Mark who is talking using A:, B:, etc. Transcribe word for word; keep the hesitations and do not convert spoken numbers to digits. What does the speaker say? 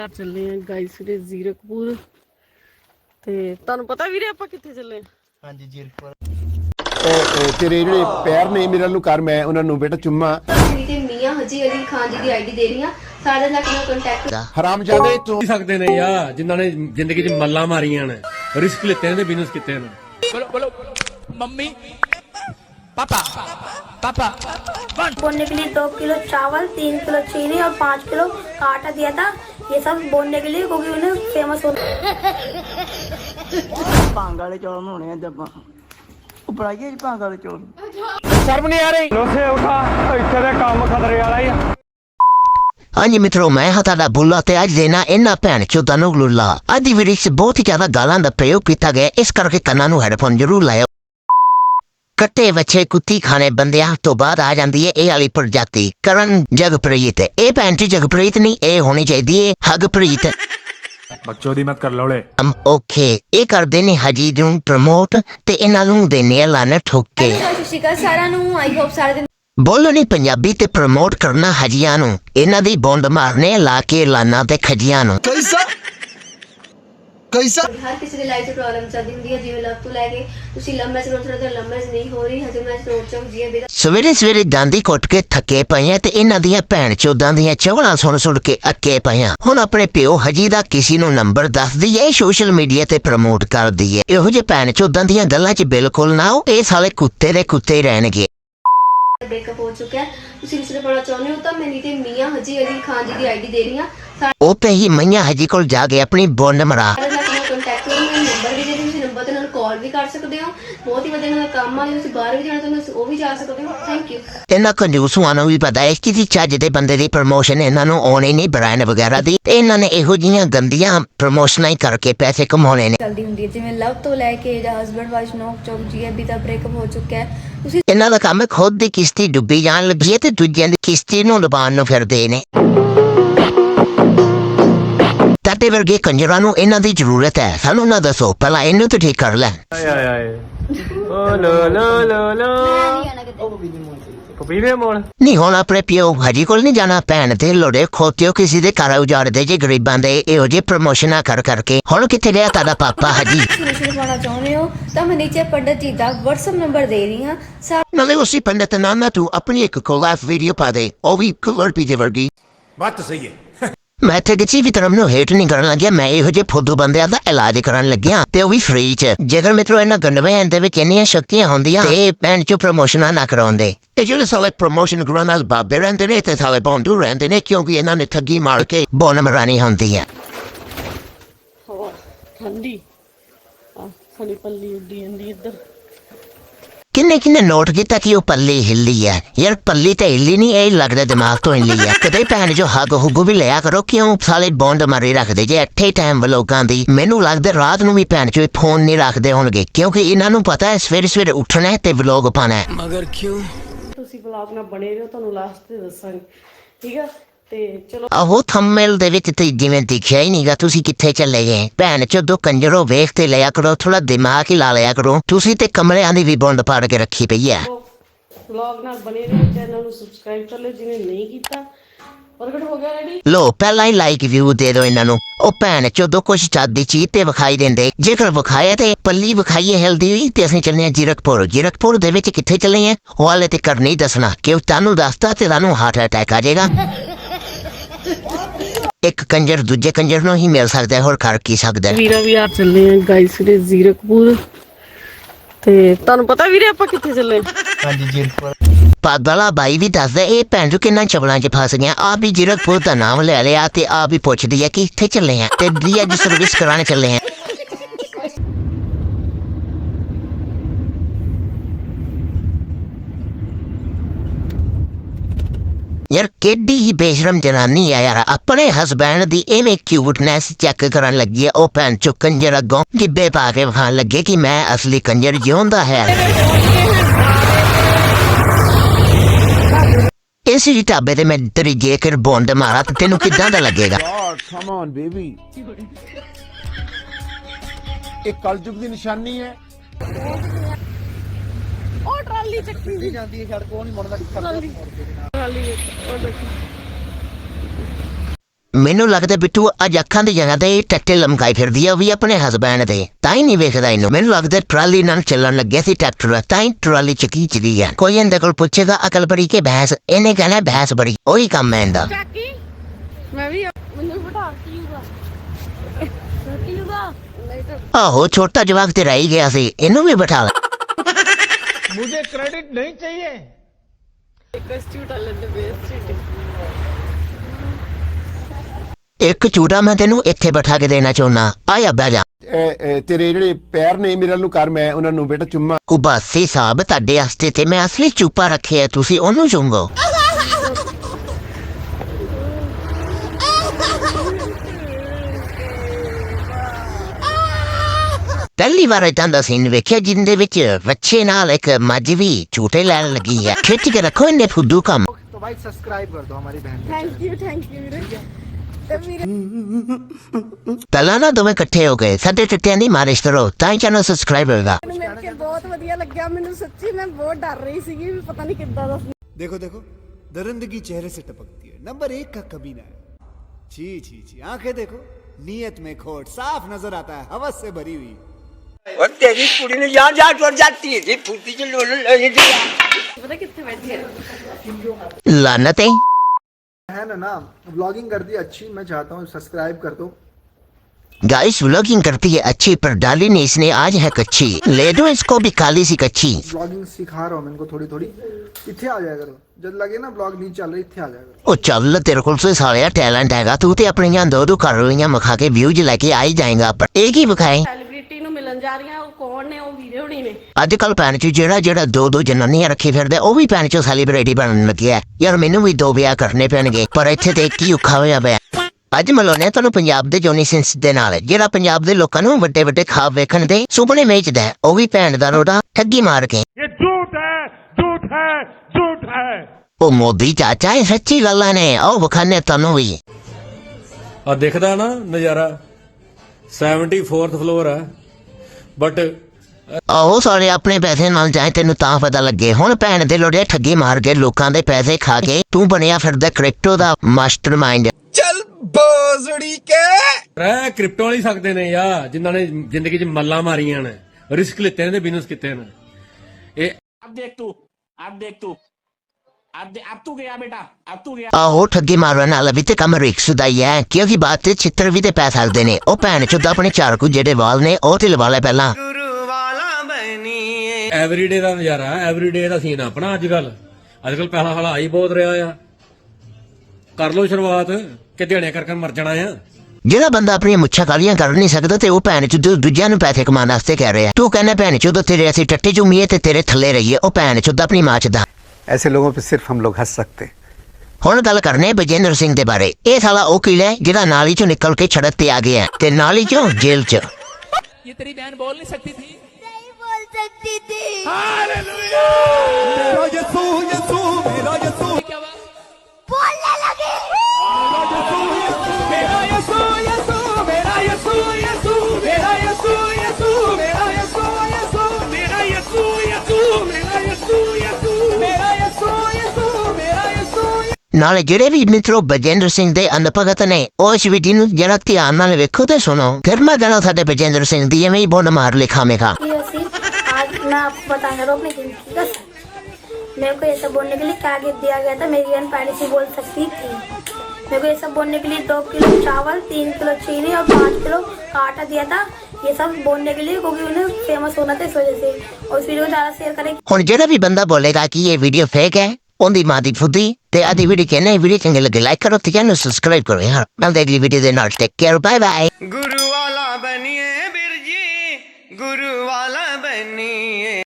A: ਚੱਲੇ ਆ ਗਾਈਸ ਵੀਰੇ ਜ਼ੀਰਕਪੁਰ ਤੇ ਤੁਹਾਨੂੰ ਪਤਾ ਵੀਰੇ ਆਪਾਂ ਕਿੱਥੇ ਚੱਲੇ ਆ?
B: ਹਾਂਜੀ ਜ਼ੀਰਕਪੁਰ।
C: ਤੇਰੇ ਜਿਹੜੇ ਪੈਰ ਨੇ ਮੇਰੇ ਨੂੰ ਕਰ, ਮੈਂ ਉਹਨਾਂ ਨੂੰ ਬੇਟਾ ਚੁੰਮਾ।
D: ਤੇ ਮੀਆਂ ਹਜੀ ਅਲੀ ਖਾਨ ਜੀ ਦੀ ਆਈਡੀ ਦੇ ਰਹੀ ਆ, ਸਾਡੇ ਨਾਲ ਕਿਹਨਾਂ ਕੰਟੈਕਟ
C: ਹਰਾਮਜ਼ਾਦੇ ਤੂੰ
E: ਸਕਦੇ ਨੇ ਯਾਰ ਜਿਨ੍ਹਾਂ ਨੇ ਜ਼ਿੰਦਗੀ 'ਚ ਮੱਲਾਂ ਮਾਰੀਆਂ ਨੇ, ਰਿਸਕ ਲਿੱਤੇ ਨੇ, ਬਿਜ਼ਨਸ ਕੀਤੇ ਨੇ।
B: बोलो बोलो मम्मी पापा पापा
F: बोलने के लिए दो किलो चावल, तीन किलो चीनी और पाँच किलो का आटा दिया था। ये सब बोलने के लिए क्योंकि उन्हें फेमस होना।
G: भांग वाले चौल बनाने जब उपराइए भांग वाले चौल
C: ਸ਼ਰਮ ਨਹੀਂ ਆ ਰਹੀ?
E: ਲੋਸੇ ਉਠਾ ਇੱਥੇ ਦੇ ਕੰਮ ਖਤਰੇ ਵਾਲਾ ਹੀ।
H: ਹਾਂਜੀ ਮਿੱਤਰੋ, ਮੈਂ ਹਾਂ ਤੁਹਾਡਾ ਬੁੱਲਾ ਤੇ ਅੱਜ ਦੇਣਾ ਇਹਨਾਂ ਭੈਣ ਚੋਦਾਂ ਨੂੰ ਲੁੱਲਾ। ਅੱਜ ਦੀ ਵੀਡੀਓ 'ਚ ਬਹੁਤ ਹੀ ਜ਼ਿਆਦਾ ਗਾਲਾਂ ਦਾ ਪ੍ਰਯੋਗ ਕੀਤਾ ਗਿਆ, ਇਸ ਕਰਕੇ ਕੰਨਾਂ ਨੂੰ ਹੈਡਫੋਨ ਜ਼ਰੂਰ ਲਾਇਓ। ਕੱਟੇ ਵੱਛੇ ਕੁੱਤੀ ਖਾਣੇ ਬੰਦਿਆਂ ਤੋਂ ਬਾਅਦ ਆ ਜਾਂਦੀ ਹੈ ਇਹ ਵਾਲੀ ਪ੍ਰਜਾਤੀ, ਕਰਨ ਜਗਪ੍ਰੀਤ। ਇਹ ਭੈਣ ਜੀ ਜਗਪ੍ਰੀਤ ਨਹੀਂ, ਇਹ ਹੋਣੀ ਚਾਹੀਦੀ ਹੈ ਹਗਪ੍ਰੀਤ।
E: ਬੱਚੋ ਦੀ ਮਤ ਕਰ ਲੋਲੇ।
H: ਅਮ ਓਕੇ, ਇਹ ਕਰਦੇ ਨੇ ਹਜੀ ਨੂੰ ਪ੍ਰਮੋਟ ਤੇ ਇਹਨਾਂ ਨੂੰ ਦੇਣੇ ਲਾਣਾ ਠੋਕ ਕੇ।
D: ਸਤਿ ਸ਼੍ਰੀ ਅਕਾਲ ਸਾਰਿਆਂ ਨੂੰ, ਆਈ ਹੋਪ ਸਾਰੇ ਦਿਨ
H: ਬੋਲਣੀ ਪੰਜਾਬੀ ਤੇ ਪ੍ਰਮੋਟ ਕਰਨਾ ਹਜੀਆਂ ਨੂੰ, ਇਹਨਾਂ ਦੀ ਬੌਂਡ ਮਾਰਨੇ ਲਾ ਕੇ ਲਾਨਾ ਤੇ ਖਜੀਆਂ ਨੂੰ।
B: कैसा कैसा
D: ਹਰ ਕਿਸੇ ਦੀ ਲਾਈਫ 'ਚ ਪ੍ਰੋਬਲਮ ਚੱਲਦੀ ਹੁੰਦੀ ਹੈ, ਜਿਵੇਂ ਲਵ ਤੋਂ ਲੈ ਕੇ ਤੁਸੀਂ ਲਵ ਮੈਰਿਜ ਕਰੋ, ਥੋੜਾ ਲਵ ਮੈਰਿਜ ਨਹੀਂ ਹੋ ਰਹੀ, ਹਜੇ ਮੈਂ ਸੋਚ ਚਾਹ ਜੀ ਬੇਦਾ
H: ਸਵੇਰੇ ਸਵੇਰੇ ਦੰਦੀ ਕੁੱਟ ਕੇ ਥੱਕੇ ਪਈਆਂ ਤੇ ਇਹਨਾਂ ਦੀਆਂ ਭੈਣ ਚੋਦਾਂ ਦੀਆਂ ਚਵਲਾਂ ਸੁਣ ਸੁਣ ਕੇ ਅੱਕੇ ਪਈਆਂ। ਹੁਣ ਆਪਣੇ ਪਿਓ ਹਜੀ ਦਾ ਕਿਸੇ ਨੂੰ ਨੰਬਰ ਦੱਸਦੀ ਏ, ਸੋਸ਼ਲ ਮੀਡੀਆ ਤੇ ਪ੍ਰਮੋਟ ਕਰਦੀ ਏ। ਇਹੋ ਜਿਹੇ ਭੈਣ ਚੋਦਾਂ ਦੀਆਂ ਗੱਲਾਂ 'ਚ ਬਿਲਕੁਲ ਨਾ ਆਓ, ਇਹ ਸਾਲੇ ਕੁੱਤੇ ਦੇ ਕੁੱਤੇ ਹੀ ਰਹਿਣਗੇ।
D: ਬ੍ਰੇਕਅਪ ਹੋ ਚੁੱਕਿਆ, ਤੁਸੀਂ ਕਿਸੇ ਨੂੰ ਪੜਨਾ ਚਾਹੁੰਦੇ ਹੋ ਤਾਂ ਮੈਂ ਨੀਤੇ ਮੀਆਂ ਹਜੀ ਅਲੀ ਖਾਨ ਜੀ ਦੀ ਆਈਡੀ ਦੇ ਰਹੀ ਆ,
H: ਉਹ ਤੇ ਹੀ ਮਈਆਂ ਹਜੀ ਕੋਲ ਜਾ ਕੇ ਆਪਣੀ ਬੌਂਡ ਮਰਾ।
D: ਸਾਡੇ ਨਾਲ ਕਿਹਨਾਂ ਕੰਟੈਕਟ ਕਰੋ, ਮੈਂ ਨੰਬਰ ਵੀ ਦੇ ਦਿੰਦੀ, ਤੁਸੀਂ ਨੰਬਰ ਤੇ ਨਾਲ ਕਾਲ ਵੀ ਕਰ ਸਕਦੇ ਹੋ। ਬਹੁਤ ਹੀ ਵਧੀਆ ਨਾਲ ਕੰਮ ਆ, ਜੇ ਤੁਸੀਂ ਬਾਹਰ ਵੀ ਜਾਣਾ ਚਾਹੁੰਦੇ ਹੋ ਉਹ ਵੀ ਜਾ ਸਕਦੇ ਹੋ। Thank you.
H: ਇਹਨਾਂ ਕੰਜੂਸਾਂ ਨੂੰ ਵੀ ਪਤਾ ਹੈ ਕਿ ਚੱਜ ਦੇ ਬੰਦੇ ਦੀ ਪ੍ਰਮੋਸ਼ਨ ਇਹਨਾਂ ਨੂੰ ਆਉਣੀ ਨਹੀਂ, ਬ੍ਰਾਂਡ ਵਗੈਰਾ ਦੀ, ਤੇ ਇਹਨਾਂ ਨੇ ਇਹੋ ਜਿਹੀਆਂ ਗੰਦੀਆਂ ਪ੍ਰਮੋਸ਼ਨਾਂ ਹੀ ਕਰਕੇ ਪੈਸੇ ਕਮਾਉਣੇ ਨੇ।
D: ਚੱਲਦੀ ਹੁੰਦੀ ਹੈ ਜਿਵੇਂ ਲਵ ਤੋਂ ਲੈ ਕੇ ਜਾਂ ਹਸਬੈਂਡ ਵਾਈਫ ਨੋਕ ਚੋਕ ਜੀ ਅਭੀ ਤਾਂ ਬ੍ਰੇਕਅਪ ਹੋ ਚੁੱਕਿਆ ਹੈ, ਤੁਸੀਂ
H: ਇਹਨਾਂ ਦਾ ਕੰਮ ਖੁਦ ਦੀ ਕਿਸ਼ਤੀ ਡੁੱਬੀ ਜਾਣ ਲੱਗੀ ਹੈ ਤੇ ਦੂਜਿਆਂ ਦੀ ਕਿਸ਼ਤੀ ਨੂੰ ਲੁਬਾਨ ਨੂੰ ਫਿਰਦੇ ਨੇ। ਤੁਹਾਡੇ ਵਰਗੇ ਕੰਜਰਾਂ ਨੂੰ ਇਹਨਾਂ ਦੀ ਜ਼ਰੂਰਤ ਹੈ, ਸਾਨੂੰ ਨਾ ਦੱਸੋ, ਪਹਿਲਾਂ ਇਹਨੂੰ ਤਾਂ ਠੀਕ ਕਰ ਲੈ।
E: ਆਏ ਆਏ ਆਏ ਓ ਲੋ ਲੋ ਲੋ ਲੋ ਕਪੀਵੇ ਮੋੜ
H: ਨਹੀਂ ਹੁਣ ਆਪਣੇ ਪਿਓ ਹਜੀ ਕੋਲ ਨਹੀਂ ਜਾਣਾ, ਭੈਣ ਤੇ ਲੋੜੇ ਖੋਤਿਓ ਕਿਸੇ ਦੇ ਘਰ ਉਜਾੜਦੇ ਜੇ ਗਰੀਬਾਂ ਦੇ ਇਹੋ ਜਿਹੇ ਪ੍ਰਮੋਸ਼ਨਾਂ ਕਰ ਕਰਕੇ। ਹੁਣ ਕਿੱਥੇ ਰਿਹਾ ਤੁਹਾਡਾ ਪਾਪਾ ਹਜੀ?
D: ਸ਼ੁਰੂ ਪਾਉਣਾ ਚਾਹੁੰਦੇ ਹੋ ਤਾਂ ਮੈਂ ਨੀਚੇ ਪੰਡਤ ਜੀ ਦਾ WhatsApp ਨੰਬਰ ਦੇ ਰਹੀ ਹਾਂ।
H: ਨਾਲੇ ਉਸੇ ਪੰਡਤ ਨਾਮ ਤੂੰ ਆਪਣੀ ਇੱਕ ਕੋਲਾਫ ਵੀਡੀਓ ਪਾ ਦੇ, ਉਹ ਵੀ ਕਲਰ ਪੀਜੇ ਵਰਗੀ।
C: ਬਾਤ ਤਾਂ ਸਹੀ ਹੈ।
H: ਮੈਂ ਇੱਥੇ ਕਿਸੇ ਵੀ ਤਰ੍ਹਾਂ ਨੂੰ ਹੇਟ ਨਹੀਂ ਕਰਨ ਲੱਗਿਆ, ਮੈਂ ਇਹੋ ਜਿਹੇ ਫੁੱਦੂ ਬੰਦਿਆਂ ਦਾ ਇਲਾਜ ਕਰਨ ਲੱਗਿਆ ਤੇ ਉਹ ਵੀ ਫ੍ਰੀ ਚ। ਜੇਕਰ ਮਿੱਤਰੋ ਇਹਨਾਂ ਗੰਡਵਿਆਂ ਦੇ ਵਿੱਚ ਇੰਨੀਆਂ ਸ਼ਕਤੀਆਂ ਹੁੰਦੀਆਂ ਤੇ ਭੈਣ ਚੋਂ ਪ੍ਰਮੋਸ਼ਨਾਂ ਨਾ ਕਰਾਉਂਦੇ। ਤੇ ਜਿਹੜੇ ਸਾਲੇ ਪ੍ਰਮੋਸ਼ਨ ਕਰਾਉਣ ਨਾਲ ਬਾਬੇ ਰਹਿੰਦੇ ਨੇ ਤੇ ਸਾਲੇ ਬੌਂਡੂ ਰਹਿੰਦੇ ਨੇ, ਕਿਉਂਕਿ ਇਹਨਾਂ ਨੇ ਠੱਗੀ ਮਾਰ ਕੇ ਬੋਨ ਮਰਾਣੀ ਹੁੰਦੀ ਹੈ।
A: ਹਵਾ ਠੰਡੀ ਆ, ਸਾਡੀ ਪੱਲੀ ਉੱਡੀ ਜਾਂਦੀ ਇੱਧਰ।
H: ਕਿੰਨੇ ਕਿੰਨੇ ਨੋਟ ਕੀਤਾ ਕਿ ਉਹ ਪੱਲੀ ਹਿੱਲੀ ਹੈ? ਯਾਰ ਪੱਲੀ ਤਾਂ ਹਿੱਲੀ ਨਹੀਂ, ਇਹ ਲੱਗਦਾ ਦਿਮਾਗ ਤੋਂ ਹਿੱਲੀ ਹੈ। ਕਦੇ ਭੈਣ ਜੋ ਹੱਗ ਹੁੱਗ ਵੀ ਲਿਆ ਕਰੋ, ਕਿਉਂ ਸਾਲੇ ਬੌਂਡ ਮਾਰੇ ਰੱਖਦੇ ਜੇ ਅੱਠੇ ਟਾਈਮ ਵਲੋਗਾਂ ਦੀ। ਮੈਨੂੰ ਲੱਗਦਾ ਰਾਤ ਨੂੰ ਵੀ ਭੈਣ ਚੋ ਫੋਨ ਨਹੀਂ ਰੱਖਦੇ ਹੋਣਗੇ, ਕਿਉਂਕਿ ਇਹਨਾਂ ਨੂੰ ਪਤਾ ਹੈ ਸਵੇਰੇ ਸਵੇਰੇ ਉੱਠਣਾ ਤੇ ਵਲੋਗ ਪਾਣਾ ਹੈ।
B: मगर क्यों
A: ਤੁਸੀਂ ਵਲੌਗ ਨਾਲ ਬਣੇ ਰਹੋ, ਤੁਹਾਨੂੰ ਲਾਸਟ ਤੇ ਦੱਸਾਂਗੇ, ਠੀਕ ਆ? ਤੇ ਚਲੋ
H: ਆਹੋ ਥੰਬਨੇਲ ਦੇ ਵਿੱਚ ਤੇ ਜਿਵੇਂ ਦਿਖਿਆ ਹੀ ਨਹੀਂਗਾ ਤੁਸੀਂ ਕਿੱਥੇ ਚੱਲੇ ਗਏ। ਭੈਣ ਚੋ ਦੋ ਕੰਜਰੋ ਵੇਖ ਤੇ ਲਿਆ ਕਰੋ, ਥੋੜਾ ਦਿਮਾਗ ਹੀ ਲਾ ਲਿਆ ਕਰੋ। ਤੁਸੀਂ ਤੇ ਕਮਰਿਆਂ ਦੀ ਵੀ ਬੌਂਡ ਪਾੜ ਕੇ ਰੱਖੀ ਪਈ ਹੈ।
A: ਵਲੌਗ ਨਾਲ ਬਣੇ ਰਹੋ, ਚੈਨਲ ਨੂੰ ਸਬਸਕ੍ਰਾਈਬ ਕਰ ਲਿਓ ਜਿਹਨੇ ਨਹੀਂ ਕੀਤਾ। ਪ੍ਰਗਟ ਹੋ ਗਿਆ ਰੈਡੀ?
H: ਲੋ ਪਹਿਲਾਂ ਹੀ ਲਾਈਕ ਵਿਊ ਦੇ ਦਿਓ ਇਹਨਾਂ ਨੂੰ। ਉਹ ਭੈਣ ਚੋਦੋ ਕੁਛ ਚੱਦੀ ਚੀਜ਼ ਤੇ ਵਿਖਾਈ ਦਿੰਦੇ, ਜੇਕਰ ਵਿਖਾਇਆ ਤੇ ਪੱਲੀ ਵਿਖਾਈਏ ਹਿਲਦੀ ਹੋਈ ਤੇ ਅਸੀਂ ਚੱਲੇ ਹਾਂ ਜੀਰਕਪੁਰ। ਜੀਰਕਪੁਰ ਦੇ ਵਿੱਚ ਕਿੱਥੇ ਚੱਲੇ ਆ ਉਹ ਹਾਲੇ ਤੇ ਕਰ ਨਹੀਂ ਦੱਸਣਾ, ਕਿਉਂ ਤੁਹਾਨੂੰ ਦੱਸਦਾ ਤੇ ਤੁਹਾਨੂੰ ਹਾਰਟ ਅਟੈਕ ਆ ਜਾਏਗਾ। ਇੱਕ ਕੰਜਰ ਦੂਜੇ ਕੰਜਰ ਨੂੰ ਹੀ ਮਿਲ ਸਕਦਾ, ਹੋਰ ਕਰ ਕੀ ਸਕਦਾ।
A: ਵੀਰਾ ਵੀ ਆ ਚੱਲੇ ਆ ਗਾਈਸ ਵੀਰੇ ਜ਼ੀਰਕਪੁਰ ਤੇ ਤੁਹਾਨੂੰ ਪਤਾ ਵੀਰੇ ਆਪਾਂ ਕਿੱਥੇ ਚੱਲੇ ਆ?
B: ਹਾਂਜੀ ਜ਼ੀਰਕਪੁਰ।
H: ਪੱਗ ਵਾਲਾ ਬਾਈ ਵੀ ਦੱਸਦਾ ਇਹ ਭੈਣ ਜੋ ਕਿੰਨਾ ਚਵਲਾਂ 'ਚ ਫਸ ਗਿਆ। ਆਪ ਵੀ ਜੀਰਕਪੁਰ ਦਾ ਨਾਮ ਲੈ ਲਿਆ ਤੇ ਆਪ ਵੀ ਪੁੱਛਦੀ ਹੈ ਕਿ ਇੱਥੇ ਚੱਲੇ ਆ ਤੇ ਦੀ ਅੱਜ ਸਰਵਿਸ ਕਰਾਉਣ ਚੱਲੇ ਆ। ਯਾਰ ਕਿੱਡੀ ਹੀ ਬੇਸ਼ਰਮ ਜਨਾਨੀ ਆ ਯਾਰ, ਆਪਣੇ ਹਸਬੈਂਡ ਦੀ ਐਵੇਂ ਕਿਊਟਨੈਸ ਚੈੱਕ ਕਰਨ ਲੱਗੀ ਹੈ। ਉਹ ਭੈਣ ਚੋ ਕੰਜਰ ਅੱਗੋਂ ਗਿੱਬੇ ਪਾ ਕੇ ਵਿਖਾਣ ਲੱਗੇ ਕਿ ਮੈਂ ਅਸਲੀ ਕੰਜਰ ਜਿਉਂਦਾ ਹੈ। ਇਸ ਹੀ ਢਾਬੇ ਤੇ ਮੈਂ ਤੇਰੀ ਜੇਕਰ ਬੌਂਡ ਮਾਰਾ ਤੇ ਤੈਨੂੰ ਕਿੱਦਾਂ ਦਾ ਲੱਗੇਗਾ?
C: ਕਮ ਔਨ ਬੇਬੀ, ਇਹ ਕਲਯੁਗ ਦੀ ਨਿਸ਼ਾਨੀ ਹੈ।
A: ਉਹ ਟਰਾਲੀ ਚੱਕੀ
B: नहीं जाती है सड़क, वो नहीं मुड़ना।
A: ਟਰਾਲੀ ਟਰਾਲੀ ਉਹ ਦੇਖੋ
H: ਮੈਨੂੰ ਲੱਗਦਾ ਬਿੱਟੂ ਅੱਜ ਅੱਖਾਂ ਦੀ ਜਗ੍ਹਾ ਤੇ ਟੱਟੇ ਲਮਕਾਈ ਫਿਰਦੀ ਆ ਵੀ ਆਪਣੇ ਹਸਬੈਂਡ ਦੇ ਤਾਂ ਹੀ ਨਹੀਂ ਵੇਖਦਾ ਇਹਨੂੰ। ਮੈਨੂੰ ਲੱਗਦਾ ਟਰਾਲੀ ਨਾਲ ਚੱਲਣ ਲੱਗਿਆ ਸੀ ਟਰੈਕਟਰ ਤਾਂ ਹੀ ਟਰਾਲੀ ਚ ਕੀ ਚਲੀ ਆ। ਕੋਈ ਇਹਦੇ ਕੋਲ ਪੁੱਛੇਗਾ ਅਕਲ ਬੜੀ ਕੇ ਬਹਿਸ, ਇਹਨੇ ਕਹਿਣਾ ਬਹਿਸ ਬੜੀ, ਉਹੀ ਕੰਮ ਹੈ ਇਹਦਾ।
A: ਮੈਂ ਵੀ ਮੈਨੂੰ ਬਿਠਾ ਕੀਊਗਾ ਕੀਊਗਾ ਨਹੀਂ ਤਾਂ
H: ਆਹੋ ਛੋਟਾ ਜਵਾਕ ਤੇ ਰਹਿ ਹੀ ਗਿਆ ਸੀ, ਇਹਨੂੰ ਵੀ ਬਿਠਾ ਲੈ।
B: मुझे क्रेडिट नहीं चाहिए।
A: ਇੱਕ ਝੂਟਾ ਲੈਂਦੇ ਬੇਸ
H: ਇੱਕ ਝੂਟਾ ਮੈਂ ਤੈਨੂੰ ਇੱਥੇ ਬਿਠਾ ਕੇ ਦੇਣਾ ਚਾਹੁੰਦਾ, ਆਇਆ ਬਹਿ ਜਾ।
C: ਇਹ- ਇਹ ਤੇਰੇ ਜਿਹੜੇ ਪੈਰ ਨੇ ਮੇਰੇ ਵੱਲ ਨੂੰ ਕਰ, ਮੈਂ ਉਹਨਾਂ ਨੂੰ ਬੇਟਾ ਚੁੰਮਾ।
H: ਉਬਾਸੀ ਸਾਹਿਬ ਤੁਹਾਡੇ ਵਾਸਤੇ ਤੇ ਮੈਂ ਅਸਲੀ ਚੂਪਾ ਰੱਖਿਆ, ਤੁਸੀਂ ਉਹਨੂੰ ਚੁੰਗੋ। ਪਹਿਲੀ ਵਾਰ ਏਦਾਂ ਦਾ ਸੀਨ ਵੇਖਿਆ ਜਿੰਦੇ ਵਿੱਚ ਬੱਚੇ ਨਾਲ ਇੱਕ ਮੱਝ ਵੀ ਝੂਟੇ ਲੈਣ ਲੱਗੀ ਹੈ। ਖਿੱਚ ਕੇ ਰੱਖੋ ਇਹਨੇ ਫੁੱਦੂ ਕੰਮ।
B: तो भाई सब्सक्राइब कर दो हमारी बहन को।
A: ਥੈਂਕ ਯੂ ਥੈਂਕ ਯੂ ਵੀਰੇ ਤੇ ਵੀਰੇ
H: ਪਹਿਲਾਂ ਨਾ ਦੋਵੇਂ ਇਕੱਠੇ ਹੋ ਗਏ, ਸਾਡੇ ਟੱਟਿਆਂ ਦੀ ਮਾਰਿਸ਼ ਕਰੋ ਤਾਂ ਹੀ ਚੈਨਲ ਸਬਸਕ੍ਰਾਈਬ ਹੋਏਗਾ।
A: ਮੈਨੂੰ ਮਿਲ ਕੇ ਬਹੁਤ ਵਧੀਆ ਲੱਗਿਆ। ਮੈਨੂੰ ਸੱਚੀ ਮੈਂ ਬਹੁਤ ਡਰ ਰਹੀ ਸੀਗੀ ਵੀ ਪਤਾ ਨਹੀਂ ਕਿੱਦਾਂ ਦਾ
B: देखो देखो दरिंदगी चेहरे से टपकती है। नंबर एक का कमीना है। छी छी छी आंखें देखो, नीयत में खोट साफ नजर आता है, हवस से भरी हुई।
G: और तेरी कुड़ी ने यहाँ जा चढ़ जाती है फुर्ती से लोल
A: ਪਤਾ ਕਿੱਥੇ ਬੈਠੇ ਆ।
H: ਲਾਨਤ ਹੈ।
B: है ना ना व्लॉगिंग कर दी अच्छी, मैं चाहता हूँ सब्सक्राइब कर दो।
H: गाइस व्लॉगिंग करती है अच्छी पर डाली नहीं इसने आज है कच्ची, ले दो इसको भी काली सी कच्ची।
B: व्लॉगिंग सिखा रहा हूँ मैं इनको थोड़ी थोड़ी। इत्थे आ जाया करो जब लगे ना ब्लॉग नहीं चल रही, इत्थे आ जाया करो।
H: ਉਹ ਚੱਲ ਤੇਰੇ ਕੋਲ ਤੇ ਸਾਲਿਆ ਟੈਲੈਂਟ ਹੈਗਾ, ਤੂੰ ਤੇ ਆਪਣੀਆਂ ਦੋ ਦੋ ਕਰ ਰਹੀਆਂ ਮਖਾ ਕੇ ਵਿਊਜ਼ ਲੈ ਕੇ ਆ ਹੀ ਜਾਏਗਾ, ਪਰ ਇਹ ਕੀ ਵਿਖਾਏ।
A: ਸੈਲੀਬ੍ਰਿਟੀ ਨੂੰ ਮਿਲਣ ਜਾ ਰਹੀਆਂ, ਉਹ ਕੌਣ ਨੇ? ਉਹ ਵੀਰੇ ਹੋਣੀ ਨੇ।
H: ਅੱਜ ਕੱਲ ਭੈਣ ਚ ਜਿਹੜਾ ਜਿਹੜਾ ਦੋ ਦੋ ਜਨਾਨੀਆਂ ਰੱਖੀ ਫਿਰਦੇ ਉਹ ਵੀ ਭੈਣ ਚੋਂ ਸੈਲੀਬ੍ਰਿਟੀ ਬਣਨ ਲੱਗਿਆ। ਯਾਰ ਮੈਨੂੰ ਵੀ ਦੋ ਵਿਆਹ ਕਰਨੇ ਪੈਣਗੇ, ਪਰ ਇੱਥੇ ਤੇ ਕੀ ਔਖਾ ਹੋਇਆ ਪਿਆ। ਅੱਜ ਮਿਲਾਉਂਦੇ ਹਾਂ ਤੁਹਾਨੂੰ ਪੰਜਾਬ ਦੇ ਜੋਨੀ ਸਿੰਸ ਦੇ ਨਾਲ, ਜਿਹੜਾ ਪੰਜਾਬ ਦੇ ਲੋਕਾਂ ਨੂੰ ਵੱਡੇ ਵੱਡੇ ਖਾਬ ਵੇਖਣ ਦੇ ਸੁਪਨੇ ਵੇਚਦਾ ਹੈ, ਉਹ ਵੀ ਭੈਣ ਦਾ ਰੋੜਾ ਠੱਗੀ ਮਾਰ ਕੇ।
E: ਇਹ ਝੂਠ ਹੈ, ਝੂਠ ਹੈ, ਝੂਠ ਹੈ।
H: ਉਹ ਮੋਦੀ ਚਾਚਾ ਇਹ ਸੱਚੀ ਗੱਲਾਂ ਨੇ, ਉਹ ਵਿਖਾਣੇ ਤੁਹਾਨੂੰ ਵੀ।
E: ਆ ਦਿਖਦਾ ਨਾ ਨਜ਼ਾਰਾ, ਚੌਂਹਠਵਾਂ ਫਲੋਰ ਹੈ ਬਟ
H: ਆਹੋ ਸਾਰੇ ਆਪਣੇ ਪੈਸੇ ਨਾਲ ਜਾਏ ਤੈਨੂੰ ਤਾਂ ਪਤਾ ਲੱਗੇ। ਹੁਣ ਭੈਣ ਦੇ ਲੋੜੇ ਠੱਗੀ ਮਾਰ ਕੇ ਲੋਕਾਂ ਦੇ ਪੈਸੇ ਖਾ ਕੇ ਤੂੰ ਬਣਿਆ ਫਿਰਦਾ ਕ੍ਰਿਪਟੋ ਦਾ ਮਾਸਟਰਮਾਈਂਡ।
B: चल बोजड़ी के
E: ਰਹਿ ਕ੍ਰਿਪਟੋ ਵਾਲੀ ਸਕਦੇ ਨੇ ਯਾ, ਜਿਨ੍ਹਾਂ ਨੇ ਜ਼ਿੰਦਗੀ 'ਚ ਮੱਲਾਂ ਮਾਰੀਆਂ ਨੇ, ਰਿਸਕ ਲਿੱਤੇ ਨੇ ਤੇ ਬਿਜ਼ਨਸ ਕੀਤੇ ਨੇ। ਇਹ
I: अब देख तू अब देख तू अब दे, अब तू गया बेटा, अब तू गया।
H: ਆਹੋ ਠੱਗੀ ਮਾਰਨ ਵਾਲਾ ਵੀ ਤੇ ਕੰਮ ਰਿਕਸ ਦਾ ਹੀ ਹੈ, ਕਿਉਂਕਿ ਬਾਅਦ ਤੇ ਚਿੱਤਰ ਵੀ ਤੇ ਪੈ ਸਕਦੇ ਨੇ। ਉਹ ਭੈਣ ਚੋਦ ਆਪਣੇ ਚਾਰ ਕੁ ਜਿਹੜੇ ਵਾਲ ਨੇ ਉਹ ਤੇ ਲਵਾ ਲੈ ਪਹਿਲਾਂ।
E: ਐਵਰੀਡੇ ਦਾ ਨਜ਼ਾਰਾ, ਐਵਰੀਡੇ ਦਾ ਸੀਨ ਆਪਣਾ ਅੱਜ ਕੱਲ। ਅੱਜ ਕੱਲ ਪੈਸਾ ਹਾਲਾ ਹੀ ਬਹੁਤ ਰਿਹਾ ਆ, ਕਰ ਲੋ ਸ਼ੁਰੂਆਤ ਕਿ ਦਿਹਾੜੀਆਂ ਕਰਕੇ ਮਰ ਜਾਣਾ ਆ।
H: ਜਿਹੜਾ ਬੰਦਾ ਆਪਣੀਆਂ ਮੁੱਛਾਂ ਕਾਲੀਆਂ ਕਰ ਨਹੀਂ ਸਕਦਾ ਤੇ ਉਹ ਭੈਣ ਚੋਦ ਦੂਜਿਆਂ ਨੂੰ ਪੈਸੇ ਕਮਾਉਣ ਵਾਸਤੇ ਕਹਿ ਰਿਹਾ। ਤੂੰ ਕਹਿੰਦਾ ਭੈਣ ਚੋਦ ਤੇਰੇ ਅਸੀਂ ਟੱਟੇ ਚੁੰਮੀਏ ਤੇ ਤੇਰੇ ਥੱਲੇ ਰਹੀਏ, ਉਹ ਭੈਣ ਚੋਦ ਆਪਣੀ ਮਾਂ ਚ ਦਾ।
B: ऐसे लोगों पे सिर्फ हम लोग हंस सकते।
H: ਹੁਣ ਗੱਲ ਕਰਨੇ ਬਜੇਂਦਰ ਸਿੰਘ ਦੇ ਬਾਰੇ। ਇਹ ਸਾਲਾ ਉਹ ਕੀੜਾ ਹੈ ਜਿਹੜਾ ਨਾਲੀ ਚੋਂ ਨਿਕਲ ਕੇ ਸੜਕ ਤੇ ਆ ਗਿਆ ਤੇ ਨਾਲੀ ਚੋਂ ਜੇਲ੍ਹ ਚ।
I: ये तेरी बहन बोल नहीं सकती थी,
F: नहीं बोल सकती थी।
B: मेरा यसू यसू मेरा यसू
I: क्या हुआ?
F: बोलने लगी।
B: मेरा यसू यसू मेरा यसू यसू मेरा यसू यसू मेरा यसू यसू मेरा यसू यसू मेरा यसू यसू मेरा यसू यसू मेरा यसू।
H: ਨਾਲੇ ਜਿਹੜੇ ਵੀ ਮਿੱਤਰੋ ਬਜੇਂਦਰ ਸਿੰਘ ਦੇ ਅਨਪਗਤ ਨੇ ਉਹ ਇਸ ਵੀਡੀਓ ਨੂੰ ਜਰਾ ਧਿਆਨ ਨਾਲ ਵੇਖੋ ਤੇ ਸੁਣੋ। ਫਿਰ ਮੈਂ ਕਹਿਣਾ ਸਾਡੇ ਬਜੇਂਦਰ ਸਿੰਘ ਦੀ ਐਵੇਂ ਹੀ ਬੋਲ ਮਾਰ ਲਿਖਾਵੇਗਾ।
F: ये सी आज मैं आपको बताना रहा हूँ अपनी जिंदगी का सच। मेरे को ये सब बोलने के लिए क्या गिफ्ट दिया गया था, मेरी बहन पहले से बोल सकती थी। मेरे को ये सब बोलने के लिए दो किलो चावल, तीन किलो चीनी और पाँच किलो का आटा दिया था। ये सब बोलने के लिए, क्योंकि उन्हें फेमस होना था इस वजह से। और इस वीडियो को ज़्यादा शेयर करें।
H: ਹੁਣ ਜਿਹੜਾ ਵੀ ਬੰਦਾ ਬੋਲੇਗਾ ਕਿ ਇਹ ਵੀਡੀਓ ਫੇਕ ਹੈ ਉਹਦੀ ਮਾਂ ਦੀ ਫੁੱਦੀ ਤੇ ਆਦੀ ਵੀਡੀਓ ਕਹਿੰਦੇ ਵੀਡੀਓ ਚੰਗੀ ਲੱਗੇ ਲਾਈਕ ਕਰੋ ਤੇ ਚੈਨਲ ਸਬਸਕ੍ਰਾਈਬ ਕਰੋ ਯਾਰ। ਮਿਲਦੇ ਅਗਲੀ ਵੀਡੀਓ ਦੇ ਨਾਲ, ਟੇਕ ਕੇਅਰ, ਬਾਏ ਬਾਏ।
G: गुरु वाला बनिए बिरजी गुरु वाला बनिए।